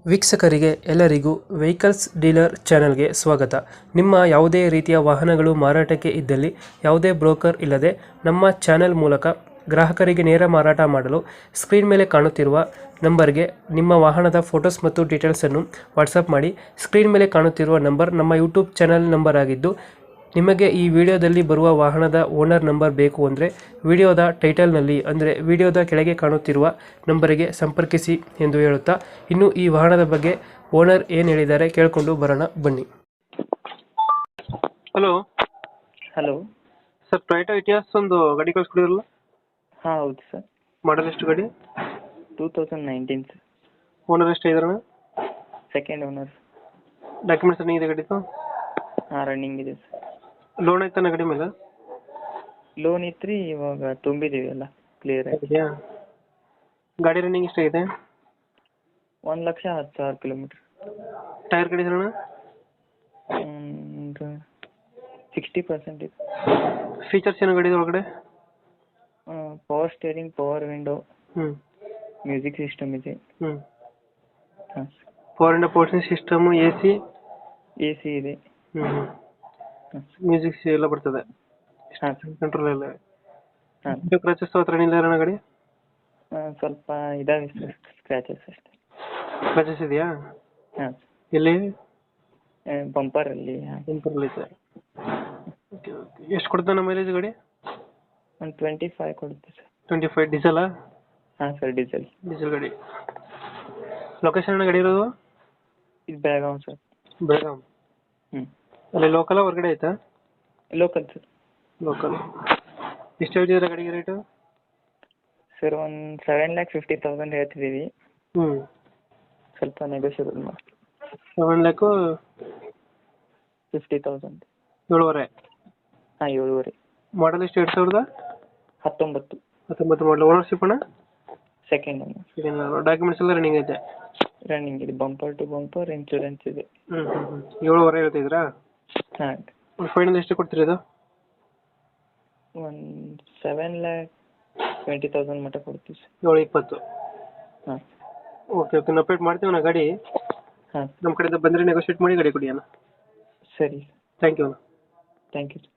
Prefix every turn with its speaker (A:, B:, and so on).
A: ವೀಕ್ಷಕರಿಗೆ ಎಲ್ಲರಿಗೂ vehicles dealer ಚಾನೆಲ್ಗೆ ಸ್ವಾಗತ. ನಿಮ್ಮ ಯಾವುದೇ ರೀತಿಯ ವಾಹನಗಳು ಮಾರಾಟಕ್ಕೆ ಇದ್ದಲ್ಲಿ ಯಾವುದೇ ಬ್ರೋಕರ್ ಇಲ್ಲದೆ ನಮ್ಮ ಚಾನೆಲ್ ಮೂಲಕ ಗ್ರಾಹಕರಿಗೆ ನೇರ ಮಾರಾಟ ಮಾಡಲು ಸ್ಕ್ರೀನ್ ಮೇಲೆ ಕಾಣುತ್ತಿರುವ ನಂಬರ್ಗೆ ನಿಮ್ಮ ವಾಹನದ ಫೋಟೋಸ್ ಮತ್ತು ಡೀಟೇಲ್ಸನ್ನು ವಾಟ್ಸಪ್ ಮಾಡಿ. ಸ್ಕ್ರೀನ್ ಮೇಲೆ ಕಾಣುತ್ತಿರುವ ನಂಬರ್ ನಮ್ಮ ಯೂಟ್ಯೂಬ್ ಚಾನೆಲ್ ನಂಬರ್ ಆಗಿದ್ದು, ನಿಮಗೆ ಈ ವಿಡಿಯೋದಲ್ಲಿ ಬರುವ ವಾಹನದ ಓನರ್ ನಂಬರ್ ಬೇಕು ಅಂದರೆ ವಿಡಿಯೋದ ಟೈಟಲ್ನಲ್ಲಿ ಅಂದರೆ ವಿಡಿಯೋದ ಕೆಳಗೆ ಕಾಣುತ್ತಿರುವ ನಂಬರಿಗೆ ಸಂಪರ್ಕಿಸಿ ಎಂದು ಹೇಳುತ್ತಾ, ಇನ್ನು ಈ ವಾಹನದ ಬಗ್ಗೆ ಓನರ್ ಏನು ಹೇಳಿದ್ದಾರೆ ಕೇಳಿಕೊಂಡು ಬರೋಣ ಬನ್ನಿ. Hello
B: hello
A: sir, Toyota Etios ಒಂದು ಗಾಡಿ ಕಳಿಸ್ಕೊಡಿದ್ರಲ್ಲ,
B: ಹಾಂ ಹೌದು ಸರ್.
A: ಮಾಡಲ್ ಎಷ್ಟು ಗಾಡಿ?
B: 2019 ಸರ್.
A: ಓನರ್ ಎಷ್ಟು ಇದ್ರಣ?
B: Second owner.
A: ಡಾಕ್ಯುಮೆಂಟ್ಸ್ ರನ್ನಿಂಗ್ ಇದೆ ಗಾಡಿದು?
B: ಹಾಂ ರನ್ನಿಂಗ್ ಇದೆ ಸರ್.
A: ಲೋನ್ ಐತಾನ ಗಾಡಿ ಮೇಲೆ?
B: ಲೋನ್ ಇತ್ತು ರೀ, ಇವಾಗ ತುಂಬಿದ್ದೀವಿ ಎಲ್ಲ ಕ್ಲಿಯರ್ ಆಗಿ.
A: ಇದೆಯಾ? ಗಾಡಿ ರನ್ನಿಂಗ್ ಎಷ್ಟಾಗಿದೆ?
B: 1,10,000 ಕಿಲೋಮೀಟ್ರ್.
A: ಟೈರ್ ಕಡಿದ್ರಣ?
B: ಒಂದು 60% ಇದೆ.
A: ಫೀಚರ್ಸ್ ಏನು ಗಾಡಿ ಒಳಗಡೆ?
B: ಪವರ್ ಸ್ಟೇರಿಂಗ್, ಪವರ್ ವಿಂಡೋ,
A: ಹ್ಞೂ
B: ಮ್ಯೂಸಿಕ್ ಸಿಸ್ಟಮ್ ಇದೆ.
A: ಹ್ಞೂ
B: ಹಾಂ
A: ಪವರ್ ಇಂಡ ಪೋರ್ಷನ್ ಸಿಸ್ಟಮು, ಎ
B: ಸಿ ಇದೆ.
A: ಹ್ಞೂ
B: ಹಾಂ
A: ಮ್ಯೂಸಿಕ್ ಎಲ್ಲ ಬರ್ತದೆ,
B: ಹಾಂ ಸರ್.
A: ಕಂಟ್ರೋಲ್ ಎಲ್ಲ.
B: ಹಾಂ
A: ಕ್ರಚಸ್ ಹತ್ರ ಇಲ್ಲ ಅಣ್ಣ ಗಾಡಿ?
B: ಸ್ವಲ್ಪ ಇದಾವೆ ಸರ್, ಸ್ಕ್ರ್ಯಾಚಸ್ ಅಷ್ಟೇ.
A: ಕ್ರಚಸ್ ಇದೆಯಾ?
B: ಹಾಂ
A: ಎಲ್ಲಿ?
B: ಬಂಪರಲ್ಲಿ. ಹಾಂ
A: ಕಂಟ್ರೋಲ್ ಐತೆ. Okay okay. ಎಷ್ಟು ಕೊಡ್ತಾನೆ ಮೈಲೇಜ್ ಗಾಡಿ?
B: ಒಂದು 25 ಕೊಡುತ್ತೆ ಸರ್.
A: 25. ಡೀಸೆಲಾ?
B: ಹಾಂ ಸರ್, ಡೀಸೆಲ್.
A: ಡೀಸೆಲ್ ಗಾಡಿ. ಲೊಕೇಶನ್ ಅಣ್ಣ ಗಾಡಿ ಇರೋದು?
B: ಇದು ಬೆಳಗಾವಿ ಸರ್.
A: ಬೆಳಗಾಂ.
B: ಹ್ಞೂ
A: ಅಲ್ಲಿ ಲೋಕಲ್ ಹೊರಗಡೆ ಆಯ್ತಾ?
B: Local sir.
A: ಲೋಕಲ್. ಎಷ್ಟು ಹೇಳ್ತಿದ್ದೀರಾ ಗಾಡಿಗೆ ರೇಟು?
B: ಸರ್ ಒಂದು 7,50,000 ಹೇಳ್ತಿದ್ದೀವಿ.
A: ಹ್ಞೂ
B: ಸ್ವಲ್ಪ ನೆಗೋಷಿಯಬಲ್ ಮಾಡಿ.
A: 7,50,000.
B: 50,000.
A: 7.5.
B: ಹಾಂ 7.5.
A: ಮಾಡಲ್ ಎಷ್ಟು? 2019.
B: 19
A: ಮಾಡಲ್. ಓನರ್ಶಿಪ್ ಅಣ್ಣ?
B: Second owner.
A: ಡಾಕ್ಯುಮೆಂಟ್ಸ್ ಎಲ್ಲ ರನ್ನಿಂಗ್ ಐತೆ?
B: ರನ್ನಿಂಗ್ ಇದೆ, ಬಂಪರ್ ಟು ಬಂಪರ್ ಇನ್ಶೂರೆನ್ಸ್ ಇದೆ.
A: 7.5 ಹೇಳ್ತಿದ್ದೀರಾ?
B: ಹಾಂ
A: ಒಂದು ಫೈನಲ್ ಎಷ್ಟು ಕೊಡ್ತೀರಿ ಇದು?
B: ಒಂದು 7,20,000 ಮಟ್ಟ ಕೊಡ್ತೀವಿ ಸರ್.
A: 7.20.
B: ಹಾಂ
A: ಓಕೆ ಓಕೆ. ನಾವು ಅಪ್ಡೇಟ್ ಮಾಡ್ತೀವಿ ಅಣ್ಣ ಗಾಡಿ.
B: ಹಾಂ
A: ನಮ್ಮ ಕಡೆಯಿಂದ ಬಂದರೆ ನೆಗೋಷಿಯೇಟ್ ಮಾಡಿ ಗಾಡಿ ಕೊಡಿ ಅಣ್ಣ.
B: ಸರಿ.
A: ಥ್ಯಾಂಕ್ ಯು ಅಣ್ಣ.
B: Thank you.